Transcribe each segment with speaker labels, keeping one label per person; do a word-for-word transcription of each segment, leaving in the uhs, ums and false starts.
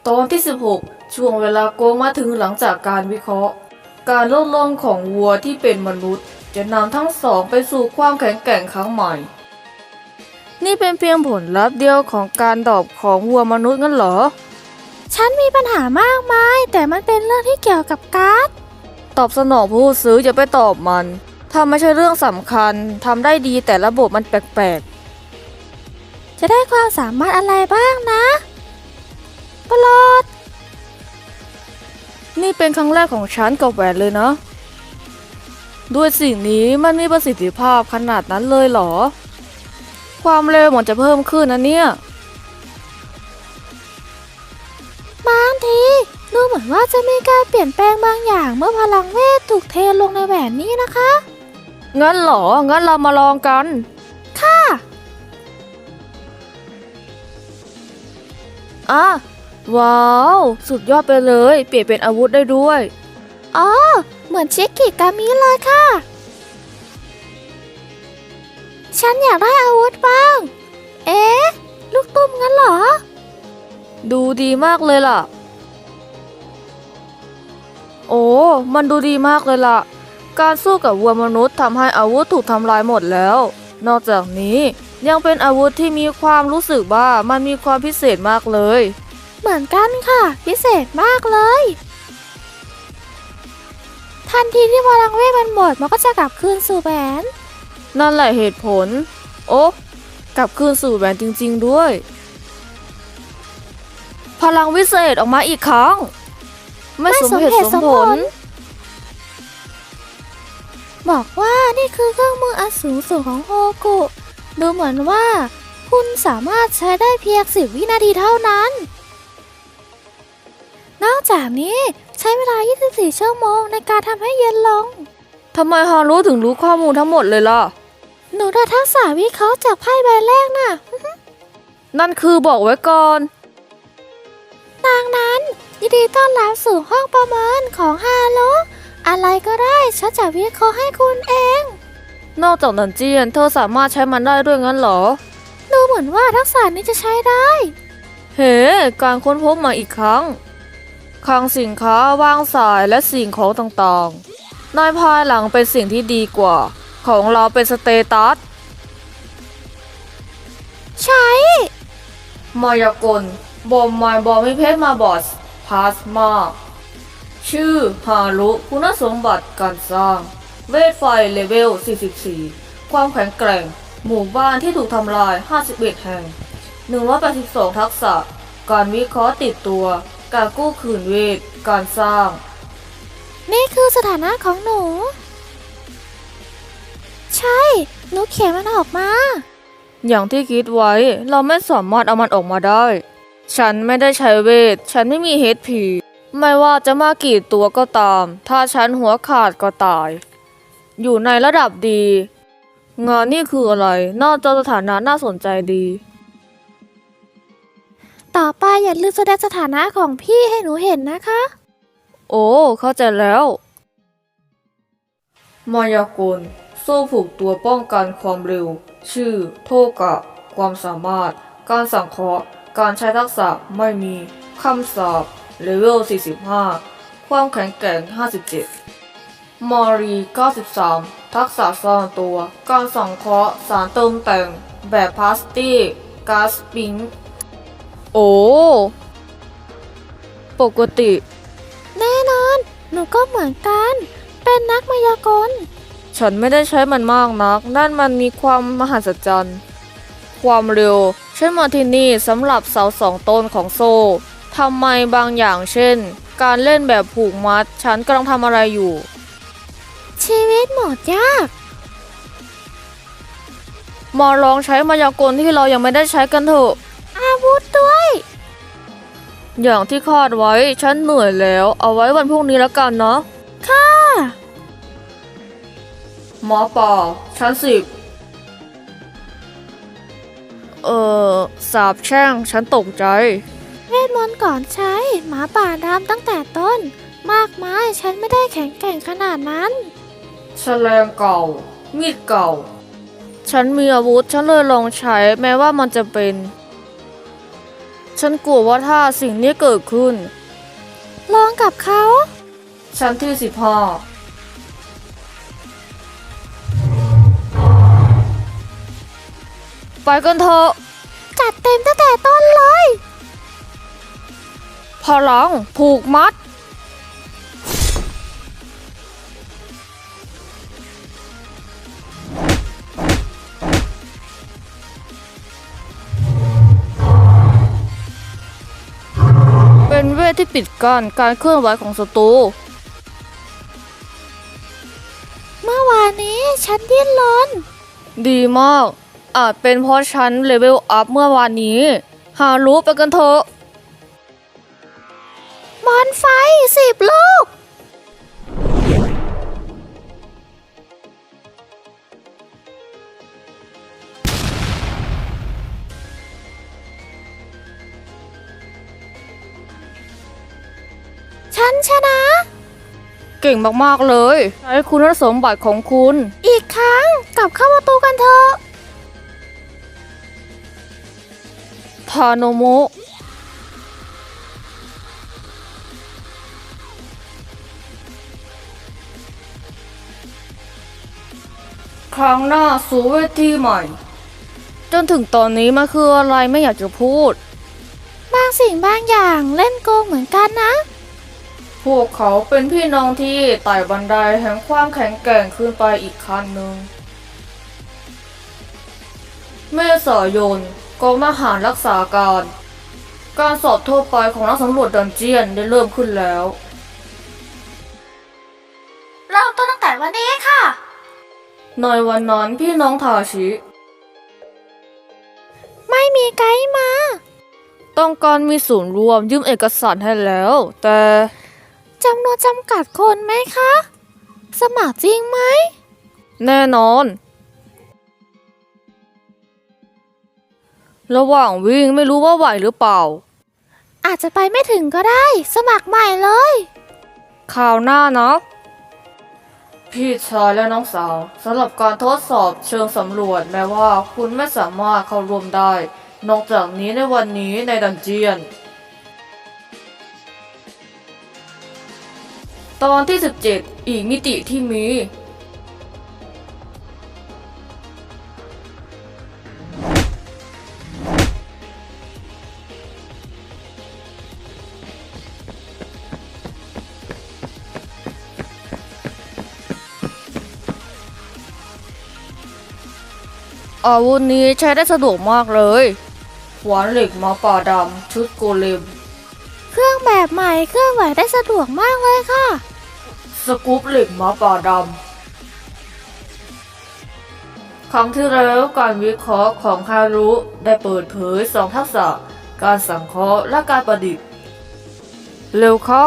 Speaker 1: ตอนที่สิบหกช่วงเวลาโกงมาถึงหลังจากการวิเคราะห์ การลดลงของวัวที่เป็นมนุษย์จะนำทั้งสองไปสู่ความแข็งแกร่งครั้งใหม่ นี่เป็นเพียงผลลัพธ์เดียวของการดรอปของวัวมนุษย์งั้นเหรอ
Speaker 2: ฉันมีปัญหามากมายแต่มันเป็นเรื่องที่เกี่ยวกับการ์ด
Speaker 1: ตอบสนองผู้ซื้ออย่าไปตอบมัน ถ้าไม่ใช่เรื่องสำคัญทำได้ดีแต่ระบบมันแปลก
Speaker 2: จะได้ความสามารถอะไรบ้างนะปลอด
Speaker 1: ๆ นี่เป็นครั้งแรกของฉันกับแหวนเลยนะ ด้วยสิ่งนี้มันมีประสิทธิภาพขนาดนั้นเลยเหรอ ความเร็วมันจะเพิ่มขึ้นนะเนี่ย
Speaker 2: บางทีดูเหมือนว่าจะมีการเปลี่ยนแปลงบางอย่างเมื่อพลังเวทถูกเทลงในแหวนนี้นะคะ
Speaker 1: งั้นเหรอ งั้นเรามาลองกัน
Speaker 2: ค่ะ
Speaker 1: อ่ะ ว้าว สุดยอดไปเลย เปลี่ยนเป็นอาวุธได้ด้วย
Speaker 2: อ๋อ เหมือนชิคกิกามิเลยค่ะ ฉันอยากได้อาวุธบ้าง เอ๊ะ ลูกตุ้มงั้นเหรอ
Speaker 1: ดูดีมากเลยล่ะ โอ้ มันดูดีมากเลยล่ะ การสู้กับวัวมนุษย์ทำให้อาวุธถูกทำลายหมดแล้ว นอกจากนี้ยังเป็นอาวุธที่มีความรู้สึกว่ามันมีความพิเศษมากเลย
Speaker 2: เหมือนกันค่ะ พิเศษมากเลย ทันทีที่พลังเวทมันหมดมันก็จะกลับคืนสู่แหวน
Speaker 1: นั่นแหละเหตุผล โอ้ กลับคืนสู่แหวนจริงๆด้วย พลังวิเศษออกมาอีกครั้ง ไม่สมเหตุสมผล
Speaker 2: บอกว่านี่คือเครื่องมืออันสูงสุดของโฮกุดูเหมือนว่า คุณสามารถใช้ได้เพียงสิบวินาทีเท่านั้น นอกจากนี้ใช้เวลา ยี่สิบสี่ ชั่วโมงในการทำให้เย็นลง
Speaker 1: ทำไมฮารุถึงรู้ข้อมูลทั้งหมดเลยล่ะ
Speaker 2: หนูได้ทักษะวิเคราะห์จากไพ่ใบแรกน่ะ
Speaker 1: นั่นคือบอกไว้ก่อน
Speaker 2: ดังนั้นยินดีต้อนรับสู่ห้องประเมินของฮารุอะไรก็ได้ฉันจะวิเคราะห์ให้คุณเอง
Speaker 1: นอกจากดันเจียนเธอสามารถใช้มันได้ด้วยงั้นเหรอ
Speaker 2: ดูเหมือนว่าทักษะนี้จะใช้ได้
Speaker 1: เฮ้ การค้นพบมาอีกครั้ง คลังสินค้าวางสายและสิ่งของต่างๆ ในภายหลังเป็นสิ่งที่ดีกว่า ของเราเป็นสเตตัส
Speaker 2: ใช้
Speaker 1: มายากล บอมไมบอมิเพชรมาบอสพลาสมา ชื่อฮารุคุณสมบัติการสร้าง เวทไฟเลเวล สี่สิบสี่ ความแข็งแกร่ง หมู่บ้านที่ถูกทำลาย ห้าสิบเอ็ด แห่ง หนึ่งร้อยแปดสิบสอง ทักษะ การวิเคราะห์ติดตัว การกู้คืนเวท การสร้าง
Speaker 2: นี่คือสถานะของหนู ใช่ หนูเขียนมันออกมา
Speaker 1: อย่างที่คิดไว้ เราไม่สามารถเอามันออกมาได้ ฉันไม่ได้ใช้เวท ฉันไม่มี เอช พี ไม่ว่าจะมากี่ตัวก็ตาม ถ้าฉันหัวขาดก็ตาย อยู่ในระดับดี งานนี่คืออะไร นอกจากสถานะน่าสนใจดี
Speaker 2: ต่อไปอย่าลืมแสดงสถานะของพี่ให้หนูเห็นนะคะ
Speaker 1: โอ้ เข้าใจแล้ว มายากล โซ่ผูกตัวป้องกันความเร็ว ชื่อ โทกะ ความสามารถ การสังเคราะห์ การใช้ทักษะไม่มีคำสาปเลเวล สี่สิบห้า ความแข็งแกร่ง ห้าสิบเจ็ด มอรี เก้าสิบสาม ทักษะซ่อนตัว การสังเคราะห์สารเติมแต่ง แบบพลาสติกก๊าซปิง โอ้ ปกติ
Speaker 2: แน่นอน หนูก็เหมือนกัน เป็นนักมายากล
Speaker 1: ฉันไม่ได้ใช้มันมากนัก นั่นมันมีความมหัศจรรย์ ความเร็ว ใช้มาที่นี่สำหรับเสาสองต้นของโซ่ทำไมบางอย่างเช่น การเล่นแบบผูกมัด ฉันกำลังทำอะไรอยู่
Speaker 2: ชีวิตโหมดยาก
Speaker 1: มาลองใช้มายากลที่เรายังไม่ได้ใช้กันเถอะ
Speaker 2: อาวุธด้วย
Speaker 1: อย่างที่คาดไว้ ฉันเหนื่อยแล้ว เอาไว้วันพรุ่งนี้แล้วกันเนาะ
Speaker 2: ค่ะ
Speaker 1: หมอป่าชั้นสิบ เอ่อ สาบแช่ง ฉันตกใจ
Speaker 2: เวทมนต์ก่อนใช้หมาป่าดำตั้งแต่ต้น มากมายฉันไม่ได้แข็งแกร่งขนาดนั้น
Speaker 1: แฉลงเก่า มีดเก่า ฉันมีอาวุธ ฉันเลยลองใช้ แม้ว่ามันจะเป็นฉันกลัวว่าถ้าสิ่งนี้เกิดขึ้น
Speaker 2: ลองกับเขา
Speaker 1: ชั้นที่สิบห้าไปกันเถอะ
Speaker 2: จัดเต็มตั้งแต่ต้นเลย
Speaker 1: พลังผูกมัด เป็นเวทที่ปิดกั้นการเคลื่อนไหวของศัตรู
Speaker 2: เมื่อวานนี้ฉันดิ้นรน
Speaker 1: ดีมาก อาจเป็นเพราะฉันเลเวลอัพเมื่อวานนี้ หารู้ไปกันเถอะ
Speaker 2: มอนไฟสิบลูก ฉันชนะ
Speaker 1: เก่งมากๆเลย ใช้คุณสมบัติของคุณ
Speaker 2: อีกครั้งกลับเข้าประตูกันเถอะ
Speaker 1: ทาโนโมะ ครั้งหน้าสู่เวทีใหม่ จนถึงตอนนี้มันคืออะไรไม่อยากจะพูด
Speaker 2: บางสิ่งบางอย่างเล่นโกงเหมือนกันนะ
Speaker 1: พวกเขาเป็นพี่น้องที่ไต่บันไดแห่งความแข็งแกร่งขึ้นไปอีกขั้นหนึ่ง เมษายนกองทหารรักษาการ การสอบทั่วไปของนักสำรวจดันเจียนได้เริ่มขึ้นแล้ว
Speaker 2: เริ่มต้นตั้งแต่วันนี้ค่ะ
Speaker 1: ในวันนั้นพี่น้องทาชิ
Speaker 2: ไม่มีไกด์มา
Speaker 1: ต้องการมีศูนย์รวมยืมเอกสารให้แล้ว แต่
Speaker 2: จำนวนจำกัดคนไหมคะ สมัครจริงไหม
Speaker 1: แน่นอน ระหว่างวิ่งไม่รู้ว่าไหวหรือเปล่า
Speaker 2: อาจจะไปไม่ถึงก็ได้ สมัครใหม่เลย
Speaker 1: ข่าวหน้านะ พี่ชายและน้องสาวสำหรับการทดสอบเชิงสำรวจแม้ว่าคุณไม่สามารถเข้าร่วมได้ นอกจากนี้ในวันนี้ในดันเจียน ตอนที่สิบเจ็ดอีกมิติที่มี อาวุธนี้ใช้ได้สะดวกมากเลยขวานเหล็กหมาป่าดำ ชุดโกเลม
Speaker 2: เครื่องแบบใหม่เครื่องไหวได้สะดวกมากเลยค่ะ
Speaker 1: สกู๊ปเหล็กหมาป่าดำ ครั้งที่แล้วการวิเคราะห์ของฮารุได้เปิดเผยสองทักษะ การสังเคราะห์และการประดิษฐ์ เร็วเข้า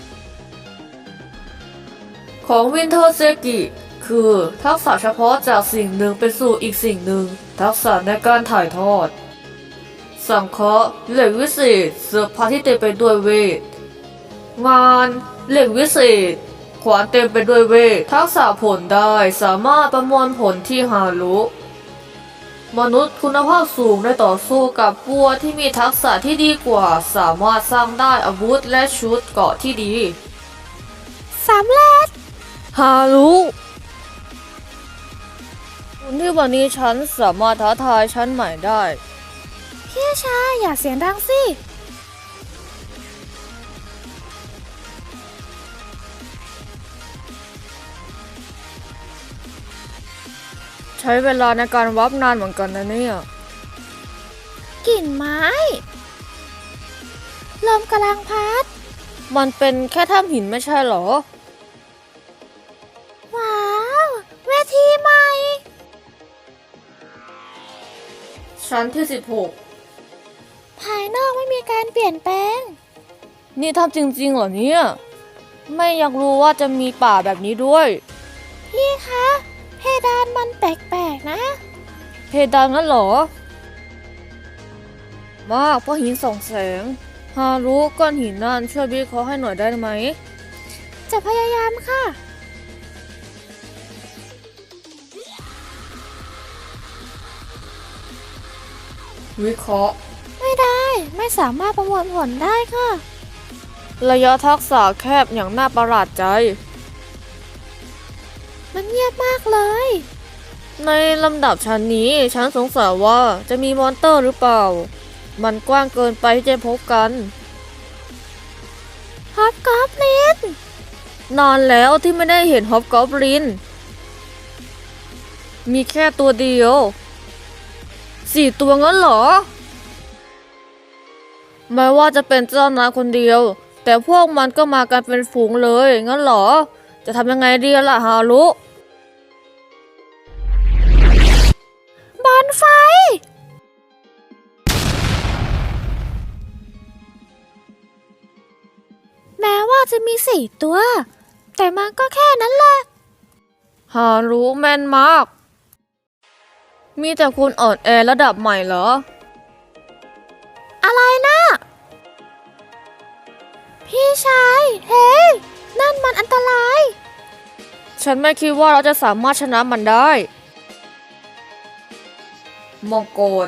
Speaker 1: ของวินเทอร์เซกิคือทักษะเฉพาะจากสิ่งหนึ่งไปสู่อีกสิ่งหนึ่ง ทักษะในการถ่ายทอด สังเคราะห์เหล็กวิเศษเสื้อผ้าที่เต็มไปด้วยเวท งานเหล็กวิเศษ ขวานเต็มไปด้วยเวท ทักษะผลได้สามารถประมวลผลที่ฮารุมนุษย์คุณภาพสูงได้ต่อสู้กับวัวที่มีทักษะที่ดีกว่า สามารถสร้างได้อาวุธและชุดเกราะที่ดี
Speaker 2: สำเร็จ
Speaker 1: ฮารุคุณที่วันนี้ฉันสามารถท้าทายฉันใหม่ได้
Speaker 2: พี่ชายอย่าเสียงดังสิ
Speaker 1: ใช้เวลาในการวับนานเหมือนกันนะเนี่ย
Speaker 2: กลิ่นไม้ ลมกำลังพัด
Speaker 1: มันเป็นแค่ถ้ำหินไม่ใช่เหรอ
Speaker 2: ว้าว เวทีใหม่
Speaker 1: ชั้นที่สิบหก
Speaker 2: ภายนอกไม่มีการเปลี่ยนแปลง
Speaker 1: นี่ทำจริงๆเหรอเนี่ย ไม่อยากรู้ว่าจะมีป่าแบบนี้ด้วย
Speaker 2: พี่คะ เพดานมันแปลกๆนะ
Speaker 1: เพดานงั้นเหรอ มากเพราะหินส่องแสง ฮารุก้อนหินนั่นช่วยวิเคราะห์ให้หน่อยได้ไหม
Speaker 2: จะพยายามค่ะ
Speaker 1: วิเคราะห์
Speaker 2: ไม่ได้ไม่สามารถประมวลผลได้ค่ะ
Speaker 1: ระยะทักษะแคบอย่างน่าประหลาดใจ
Speaker 2: มันเงียบมากเลย
Speaker 1: ในลำดับชั้นนี้ฉันสงสัยว่าจะมีมอนเตอร์หรือเปล่า มันกว้างเกินไปที่จะพบกัน
Speaker 2: ฮอบกอบลิน
Speaker 1: นานแล้วที่ไม่ได้เห็นฮอบกอบลิน มีแค่ตัวเดียว สี่ตัวงั้นเหรอ แม้ว่าจะเป็นเจ้านายคนเดียว แต่พวกมันก็มากันเป็นฝูงเลย งั้นเหรอ จะทำยังไงดีล่ะฮารุ
Speaker 2: บอลไฟ แม้ว่าจะมีสี่ตัว แต่มันก็แค่นั้นแหละ
Speaker 1: ฮารุแม่นมาก มีแต่คุณอ่อนแอระดับใหม่เหรอ
Speaker 2: อะไรนะ พี่ชาย เฮ้ยนั่นมันอันตราย
Speaker 1: ฉันไม่คิดว่าเราจะสามารถชนะมันได้มองโกล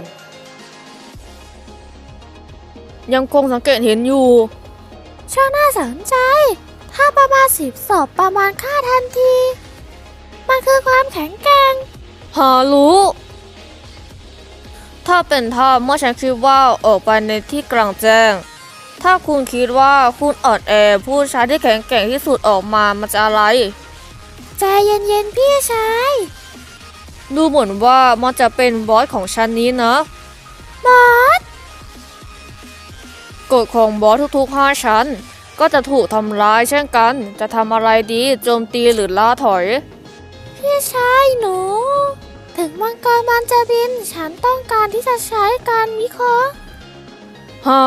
Speaker 1: ยังคงสังเกตเห็นอยู่
Speaker 2: ช่างน่าสนใจ ถ้าประมาณสิบศพประมาณค่าทันที มันคือความแข็งแกร่ง
Speaker 1: ฮารุถ้าเป็นท่าเมื่อฉันคิดว่าออกไปในที่กลางแจ้ง ถ้าคุณคิดว่าคุณอ่อนแอผู้ชายที่แข็งแกร่งที่สุดออกมามันจะอะไร
Speaker 2: ใจเย็นๆพี่ชาย
Speaker 1: ดูเหมือนว่ามันจะเป็นบอสของชั้นนี้นะ
Speaker 2: บอส
Speaker 1: กฎของบอสทุกๆห้าชั้น ก็จะถูกทำร้ายเช่นกัน จะทำอะไรดีโจมตีหรือล่าถอย
Speaker 2: พี่ชายหนู ถึงมังกรมันจะบิน ฉันต้องการที่จะใช้การวิเคราะห์
Speaker 1: ฮะ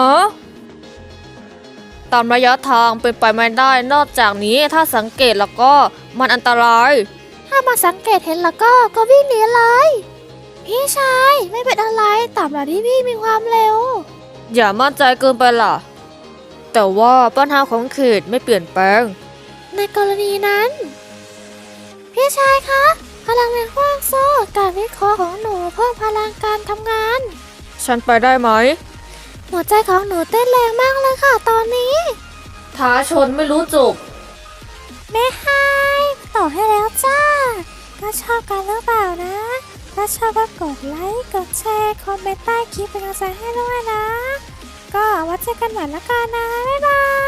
Speaker 1: ตามระยะทางเป็นไปไม่ได้นอกจากนี้ถ้าสังเกตแล้วก็มันอันตราย
Speaker 2: ถ้ามาสังเกตเห็นแล้วก็ก็วิ่งหนีเลย พี่ชายไม่เป็นอะไรตามหลักที่พี่มีความเร็ว
Speaker 1: อย่ามั่นใจเกินไปล่ะ แต่ว่าปัญหาของเขตไม่เปลี่ยนแปลง
Speaker 2: ในกรณีนั้น พี่ชายคะพลังแรงขว้างโซ่การวิเคราะห์ของหนูเพิ่มพลังการทำงาน
Speaker 1: ฉันไปได้ไหม
Speaker 2: หัวใจของหนูเต้นแรงมากเลยค่ะตอนนี้
Speaker 1: ท้าชนไม่รู้จบ
Speaker 2: แม่ไฮต่อให้แล้วจ้า ก็ชอบกันหรือเปล่านะ ถ้าชอบก็กดไลค์ กดแชร์ คอมเมนต์ใต้คลิปเป็นกำลังใจให้ด้วยนะ ก็ไว้เจอกันใหม่ละกันนะ บ๊ายบาย